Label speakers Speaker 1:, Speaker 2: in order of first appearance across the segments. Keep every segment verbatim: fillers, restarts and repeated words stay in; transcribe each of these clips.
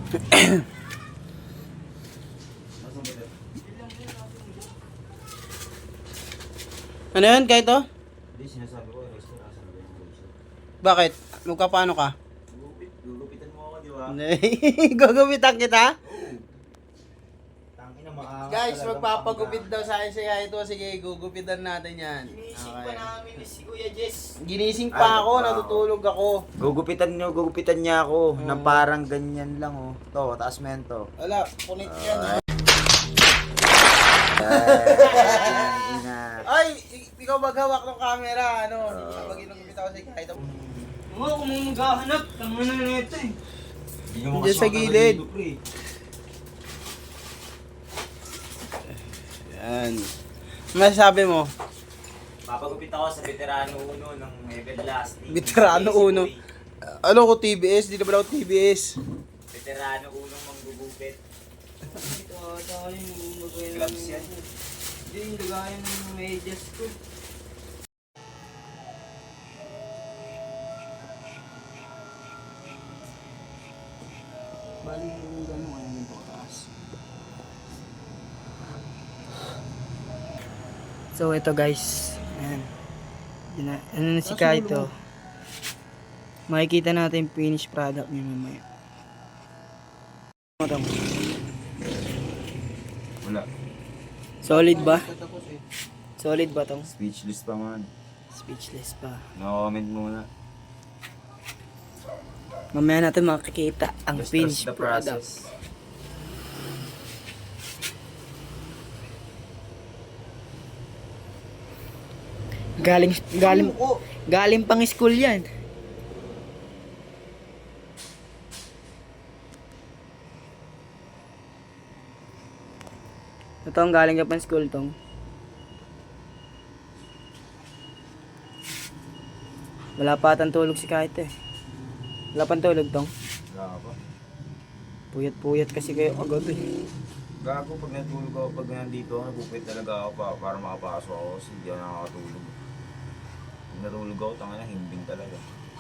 Speaker 1: Ano yun, kahit to?
Speaker 2: Hindi, sinasabi ko, resto, nasa na yung resto.
Speaker 1: Bakit? Magkapano ka?
Speaker 2: Gugupit, gugupitan mo ako, di ba?
Speaker 1: Gugupitan kita?
Speaker 2: Oo. Tangina, maangas
Speaker 1: Guys,
Speaker 2: talagang
Speaker 1: magpapagupit
Speaker 2: pangga.
Speaker 1: daw sa akin si Kaito. Sige, gugupitan natin yan.
Speaker 2: Ginising
Speaker 1: Okay.
Speaker 2: pa namin ni si Kuya Jess.
Speaker 1: Ginising
Speaker 2: Ay,
Speaker 1: pa ako,
Speaker 2: wow.
Speaker 1: natutulog ako.
Speaker 2: Gugupitan nyo, gugupitan niya ako.
Speaker 1: Oo.
Speaker 2: Nang parang ganyan lang, oh. To, taas mo yan, to.
Speaker 1: Wala, punit yan.
Speaker 2: Ay. Ay, ina.
Speaker 1: Ay, i- ikaw maghawak ng camera, ano?
Speaker 2: Oo.
Speaker 1: Kapag ginugupit ako si Kaito.
Speaker 3: Oo, kung maghahanap, tama na na ito eh.
Speaker 2: Hindi mo
Speaker 1: Diyan
Speaker 2: kasi
Speaker 1: sa
Speaker 2: matagal
Speaker 1: gilid.
Speaker 2: dito, pre.
Speaker 1: Yan. Masasabi mo?
Speaker 2: Papagupit ako sa veterano uno ng Everlasting.
Speaker 1: Veterano
Speaker 2: Si
Speaker 1: uno?
Speaker 2: Boy.
Speaker 1: Ano ko T B S? Di naman ako T B S.
Speaker 2: Veterano unong manggugupit.
Speaker 3: Ito ata yung magaya
Speaker 2: Gloves yan.
Speaker 3: Hindi, yung lagayan ng medyas ko.
Speaker 1: Bali yung gano'n kaya yung pagkataas.
Speaker 3: So ito guys, ayan. Dina- ano na si
Speaker 1: Ah,
Speaker 3: Kaito.
Speaker 1: sulo
Speaker 3: Makikita natin yung finished product niya mamaya. Ano to?
Speaker 2: Wala.
Speaker 3: Solid ba?
Speaker 1: Tapos eh.
Speaker 3: Solid ba tong?
Speaker 2: Speechless pa man.
Speaker 3: Speechless pa.
Speaker 2: No-comment muna.
Speaker 3: Mamaya natin makikita ang
Speaker 2: Just
Speaker 3: finished
Speaker 2: trust the
Speaker 3: product.
Speaker 2: process.
Speaker 3: Galing, galing,
Speaker 1: Sumuko.
Speaker 3: galing pang school yan. Ito ang galing ka pang school tong. Wala pa atang tulog si Kaito eh. Wala pang tulog tong.
Speaker 2: Wala pa.
Speaker 3: Puyat-puyat kasi kayo agad eh.
Speaker 2: Gago, pag natulog ako, pag nandito ako, nagpupit talaga ako pa, para makapasok ako kasi hindi ako nakakatulog. Pag natulog ako, tanga na, himbing talaga.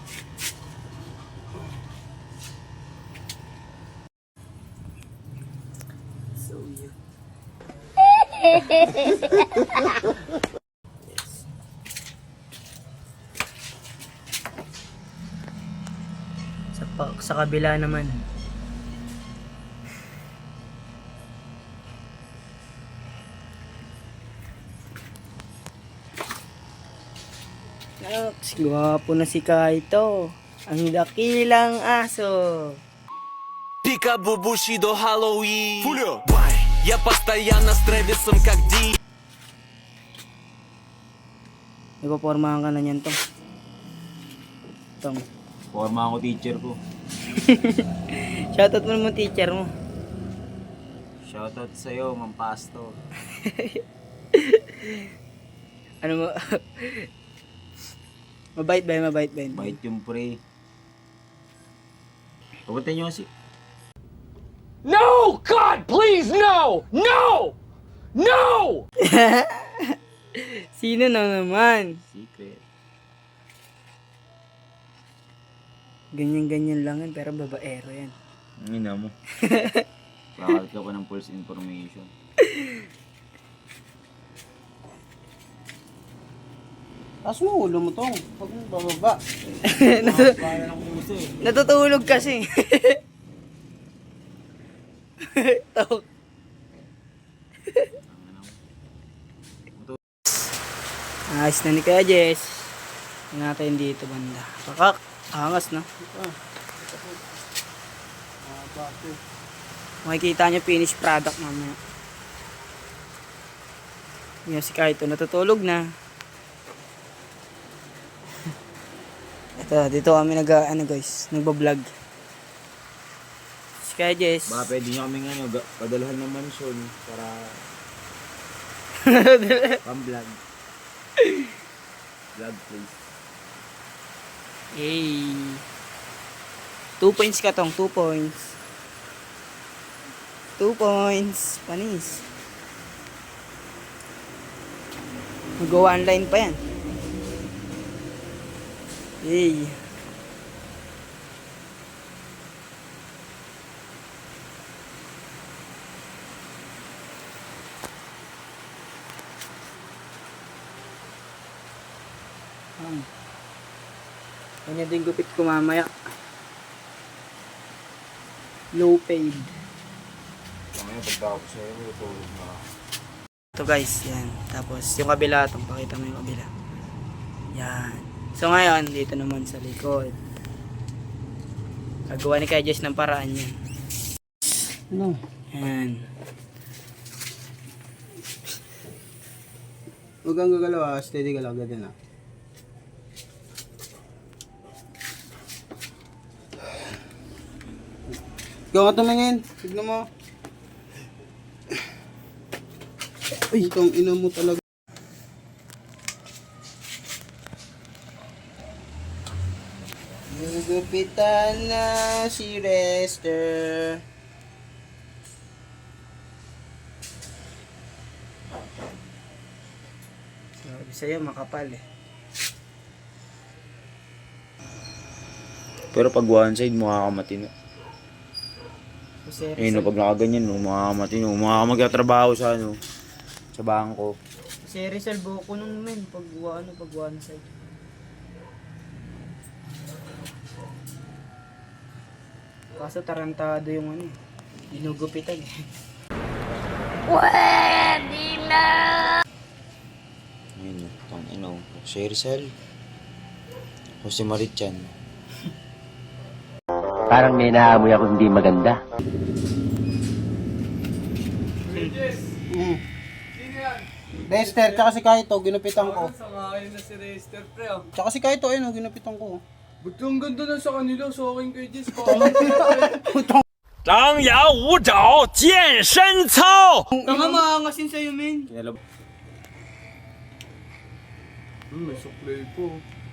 Speaker 3: So yeah. Sa, pa, sa kabila naman. Naks, gwapo na si Kaito. Ang dakilang aso.
Speaker 4: Пика-бубуши до Хэллоуин. Я постоянно с Трэвисом как Ди.
Speaker 3: Ipapormahan ka na niyan tong. Tong.
Speaker 2: Forma ako teacher ko.
Speaker 3: Shoutout mo naman teacher mo.
Speaker 2: Shoutout sa'yo, Mang Pasto.
Speaker 3: Ano mo? Mabait ba yun? Mabait ba yun?
Speaker 2: Bait yung pre. Papunta nyo kasi.
Speaker 4: No! God, please, no! No! No!
Speaker 3: Sino na naman?
Speaker 2: Secret.
Speaker 3: Ganyan-ganyan lang yan, pero babaero yan.
Speaker 2: Ang ina mo. Kakalit ka pa ng false information.
Speaker 1: Taas mo ulo mo tong. Huwag mo bababa.
Speaker 3: Natu-
Speaker 2: Kaya ng puso eh.
Speaker 3: natutulog kasi. Tok. Ayos na ni Kuya Jess. Tingnan natin dito banda. Kakak, angas na.
Speaker 1: Ah, bakit?
Speaker 3: Makikita nyo finished product mamaya. Yan si Kaito, natutulog na. Ito, dito kami nag, ano guys, nagbablog. Si Kuya Jess.
Speaker 2: Baka pwede nyo kaming ano, ga- padalhan ng mansion para pang-vlog. Vlog please.
Speaker 3: Yay. Two points ka tong, two points. Two points. Panis. Mag-go online pa yan. Yay. Yan. Kanya din gupit ko mamaya. Low paid.
Speaker 2: Ngayon, pagtapos sa'yo, tulog na.
Speaker 3: Ito guys, yan. Tapos yung kabila, itong pakita mo yung kabila. Yan. So ngayon, dito naman sa likod. Gagawa ni Kuya Jess ng paraan yan.
Speaker 1: Ano?
Speaker 3: Yan.
Speaker 1: Huwag kang gagalaw ah. Steady ka lang. Ganyan ah. Ikaw ka tumingin. Tignan mo. Ay, itong ina mo talaga. Nagugupitan na si Rester.
Speaker 3: Sabi sa'yo, makapal eh.
Speaker 2: Pero pag one side, mukha ka matino.
Speaker 3: Kasi
Speaker 2: Eh, no, pag nakaganyan, no, mukha ka matino. Mukha ka magkatrabaho sa, ano, sa bangko.
Speaker 3: Si Rizal buko nung men, pag ano, pag one side. Kaso tarantado yung ano, ginugupitan eh.
Speaker 2: Ayun, no, tang ino. Si Rizal. O si Marichan.
Speaker 5: Parang may naamoy ako hindi maganda.
Speaker 1: Mm. Rester, tsaka si Kaito, ginupitan ko.
Speaker 6: Sangayon na si Rester, pre, ah.
Speaker 1: Tsaka si Kaito, ayun, oh, ginupitan ko.
Speaker 6: Ba't ang ganda na sa kanila? So, akin kay Jess,
Speaker 4: 张牙舞爪，健身操。
Speaker 3: Tanga maangasin sa'yo men.
Speaker 2: Kinalab.
Speaker 6: Hmm, may suklay po.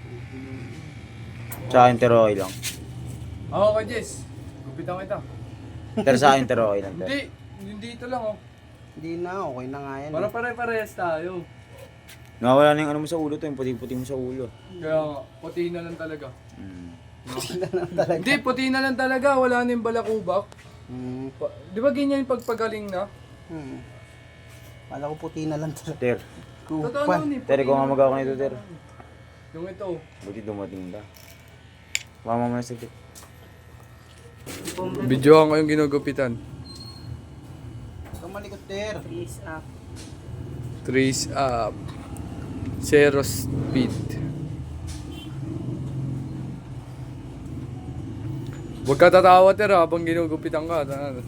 Speaker 2: Sa akin, pero okay lang.
Speaker 6: Ako kay Jess, gupitan kita.
Speaker 2: Pero sa akin, pero okay lang.
Speaker 6: Hindi, hindi ito lang, oh.
Speaker 1: Hindi na, okay na nga yan.
Speaker 6: Para
Speaker 1: eh.
Speaker 6: pare-parehas tayo.
Speaker 2: Nawawala na yung ano mo sa ulo to, yung puti-puti mo sa ulo.
Speaker 6: Kaya nga, puti na lang talaga.
Speaker 2: Mm.
Speaker 6: Hindi, puti na lang talaga. Wala na yung balakubak.
Speaker 1: Hmm.
Speaker 6: Pa- Di ba ganyan yung pagpagaling na?
Speaker 1: Hmm. Kala ko puti na lang talaga.
Speaker 2: Ter,
Speaker 6: Totoo
Speaker 1: Kupan.
Speaker 6: naman eh.
Speaker 2: Ter,
Speaker 6: puti
Speaker 2: kung nga
Speaker 6: na
Speaker 2: mag-ako
Speaker 6: lang
Speaker 2: nito, Ter.
Speaker 6: talaga. Yung ito.
Speaker 2: Buti dumating ka. Mama mo na saglit.
Speaker 6: Videoan ko yung ginugupitan.
Speaker 1: Ikaw malikot, Ter.
Speaker 3: Please up.
Speaker 6: Trace up. Zero speed. Huwag ka tatawa, Ter, habang ginugupitan ka. Ano?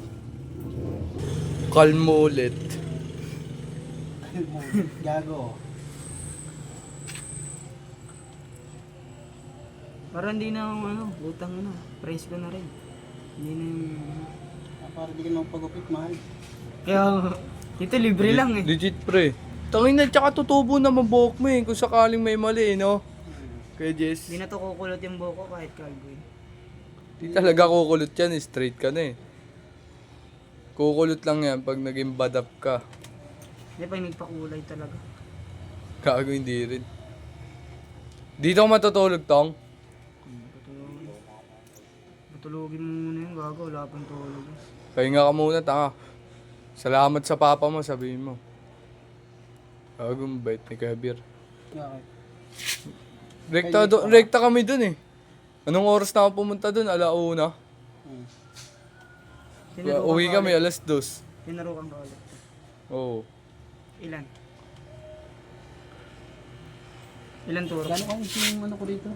Speaker 6: Calm mo ulit.
Speaker 1: Gago.
Speaker 3: Parang hindi na ako ano, butang ano, price ko na rin. Hindi na yung...
Speaker 1: Ah, para di ka nang pagupit, mahal.
Speaker 3: Kaya, ito libre lang eh.
Speaker 6: Legit, pre. Tangin na, tsaka tutubo na mabuhok mo eh. Kung sakaling may mali, no? Kaya Jess,
Speaker 3: Hindi na to kukulot yung buhok ko kahit kalbo eh.
Speaker 6: di talaga kukulot yan eh. Straight ka na eh. Kukulot lang yan pag naging badap ka.
Speaker 3: Hindi pag nagpakulay talaga.
Speaker 6: Gago, hindi rin. Dito ka matutulog, Tong?
Speaker 3: Patulogin. Patulogin mo muna yun, gago, wala pang tulog.
Speaker 6: Pahinga ka muna, tanga. Salamat sa papa mo, sabihin mo. Gago, mabait ni Kabir.
Speaker 1: Bakit?
Speaker 6: Rekta, do, rekta kami dun eh. Anong oras na ako pumunta dun? Alauna.
Speaker 1: Hmm.
Speaker 3: Tinarukan
Speaker 6: Uwi
Speaker 3: ka
Speaker 6: kami,
Speaker 3: ulit.
Speaker 6: alas dos.
Speaker 3: Tinarukan ka ulit.
Speaker 6: Oo.
Speaker 3: Ilan? Ilan turo?
Speaker 1: Gano'n kang yung ano ko dito?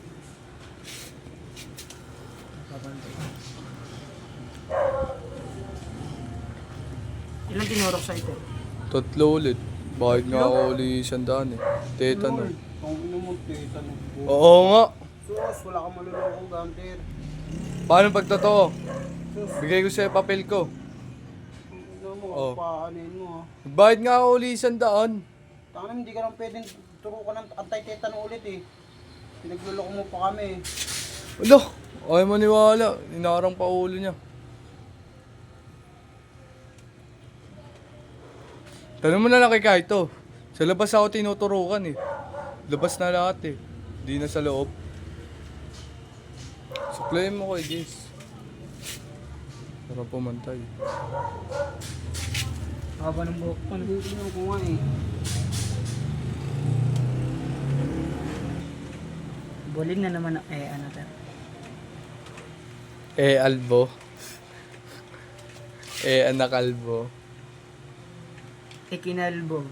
Speaker 3: Ilan tinurok sa ito?
Speaker 6: Tatlo ulit. Bakit nga ako uli isang daan eh? Tetano.
Speaker 1: Kung ino mo, tita no.
Speaker 6: Oo nga.
Speaker 1: Sus, wala kang malulokong gamter.
Speaker 6: Paano pag totoo? Bigay ko sa'yo papel ko.
Speaker 1: Ino mo,
Speaker 6: Oh.
Speaker 1: paanin mo ha.
Speaker 6: Bakit nga ako uli isang daan?
Speaker 1: Tangan hindi ka lang pwedeng turukan ng antay-tetano ulit eh. Pinagluloko mo pa kami eh.
Speaker 6: Wala. Ayaw maniwala. Inarang pa ulo niya. Tanong mo na lang kay Kaito. Sa labas ako tinuturukan eh. Labas na lahat eh. Di na sa loob. Suklayin mo kay Jace. Para pumantay.
Speaker 3: Haba ng buhok ko. No?
Speaker 1: Hindi ko nga eh.
Speaker 3: Bulin na naman ang eh, ano ta.
Speaker 6: Eh, albo. Eh, anak albo.
Speaker 3: Ikinalbo.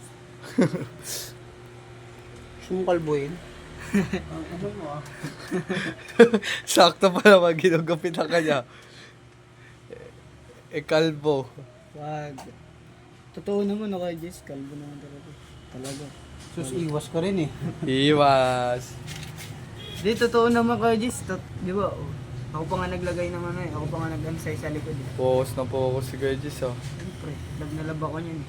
Speaker 1: Gusto mong kalbuhin? Ang ano mo ah.
Speaker 6: Sakto pa naman ginugupit ang kanya. Eh, kalbo.
Speaker 3: Wag. Totoo naman ako, Jess. Kalbo naman talaga. Talaga.
Speaker 1: Sus, iwas ka rin eh.
Speaker 6: Iwas.
Speaker 3: Di, totoo naman kayo, Jess. Tot, di ba? Oh. Ako pa nga naglagay naman eh. Ako pa nga nag-ansay sa likod eh.
Speaker 6: Focus na focus si Kuya Jis, oh.
Speaker 3: Siyempre, lab na lab ako niyan eh.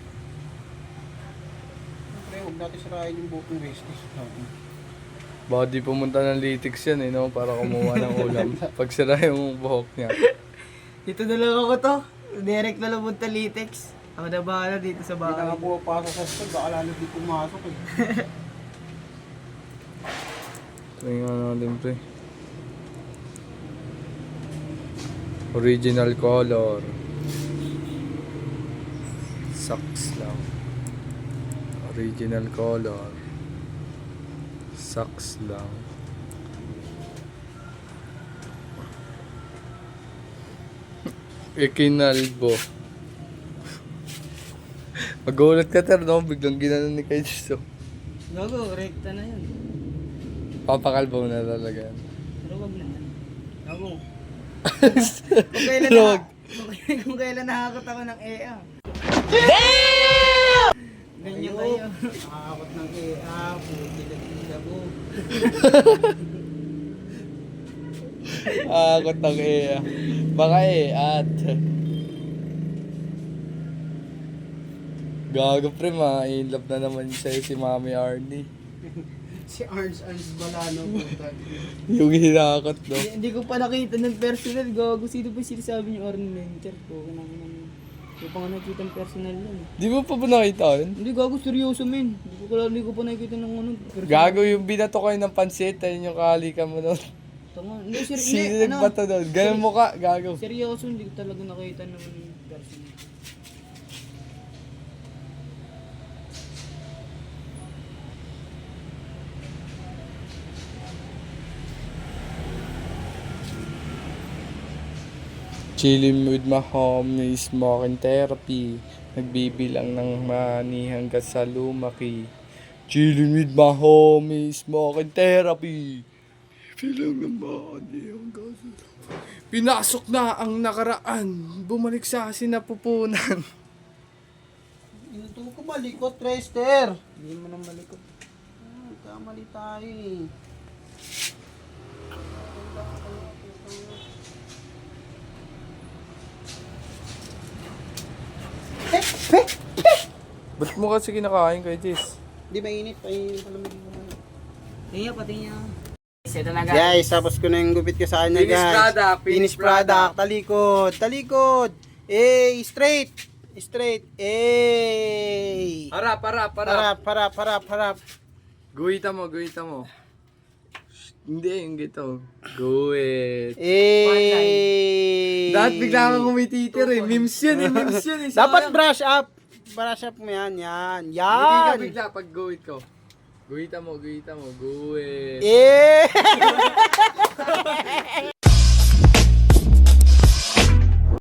Speaker 1: Siyempre, huwag natin sirain yung booking business.
Speaker 6: Baka di pumunta ng Litix yan, eh, no? Para kumuha ng ulam. Pag sira yung buhok niya.
Speaker 3: Dito na lang ako to. Direct na lang punta Litex. Ako na bahala dito sa
Speaker 1: Hindi na nga
Speaker 3: bahay.
Speaker 1: pumapasok sa school, baka lalo di pumasok eh.
Speaker 6: Try nga natin, pre. Original color. Sucks lang. Original color. Sucks lang. Ikinalbo. Magulat ka, ter, no? Biglang ginanon ni Kuya Jis, oh.
Speaker 3: Gago, rekta na yan.
Speaker 6: Papakalbo na talaga yan.
Speaker 3: Pero wag na yan. Gago. kung kailan na,
Speaker 6: Wag.
Speaker 3: kung, kung kailan nakakot ako ng E A. Damn! Ganyan kayo.
Speaker 1: Nakakakot ng E A, puti na tilabo.
Speaker 6: Akot ng iya. Baka eh, at. Gago, pre, ma-in love na naman sa'yo si Mami Arnie.
Speaker 1: Si Arns Arns Balano puta.
Speaker 6: Yung hinakot, no?
Speaker 3: Hindi, hindi ko pa nakita ng personal. Gago, sino ba sinasabi niyo ornamental ko? Hindi ko pa nga nakita ng personal yan. eh.
Speaker 6: Di mo pa ba nakita yun?
Speaker 3: Hindi, gago, seryoso men. Hindi ko, kala- hindi ko pa nakita ng ano. personal.
Speaker 6: Gago, yung binato kayo ng pansit, ayun yung kahalikan mo nun.
Speaker 3: Tanga. Hindi, ser-
Speaker 6: Sino
Speaker 3: hindi, ano,
Speaker 6: nagbato nun? Ganun mo ka, gago.
Speaker 3: seryoso, hindi ko talaga nakita ng personal.
Speaker 6: Chilling with my homies, smoking therapy. Nagbibilang ng money hanggang sa lumaki. Chilling with my homies, smoking therapy. Bilang ng money hanggang sa lumaki. Pinasok na ang nakaraan. Bumalik sa sinapupunan.
Speaker 1: Inuto ko malikot, Trester.
Speaker 3: Hindi mo nang malikot.
Speaker 1: Ah, kamali tayo eh.
Speaker 6: Ba't mo kasi kinakain kay Jis?
Speaker 1: Hindi mainit, ay palamigin mo muna.
Speaker 3: Tingnan, pati niya. Ito na
Speaker 1: Guys, tapos ko na yung gupit ko sa kanya,
Speaker 6: Finish
Speaker 1: guys.
Speaker 6: product,
Speaker 1: Finish
Speaker 6: finish
Speaker 1: product. Talikod, talikod. Eh, straight. Straight. Eh.
Speaker 6: Harap, harap,
Speaker 1: Harap, harap, harap, harap.
Speaker 6: Guhita mo, guhita mo. Hindi, yung gito. Guhit.
Speaker 1: Eh.
Speaker 6: Dapat bigla kang kumititir eh. Memes yun eh, memes yun eh.
Speaker 1: Dapat brush up. Brush up mo yan, yan.
Speaker 6: Hindi ka
Speaker 1: Yan.
Speaker 6: bigla pag guhit ko. Guhita mo, guhita mo, guhit.
Speaker 1: Eh.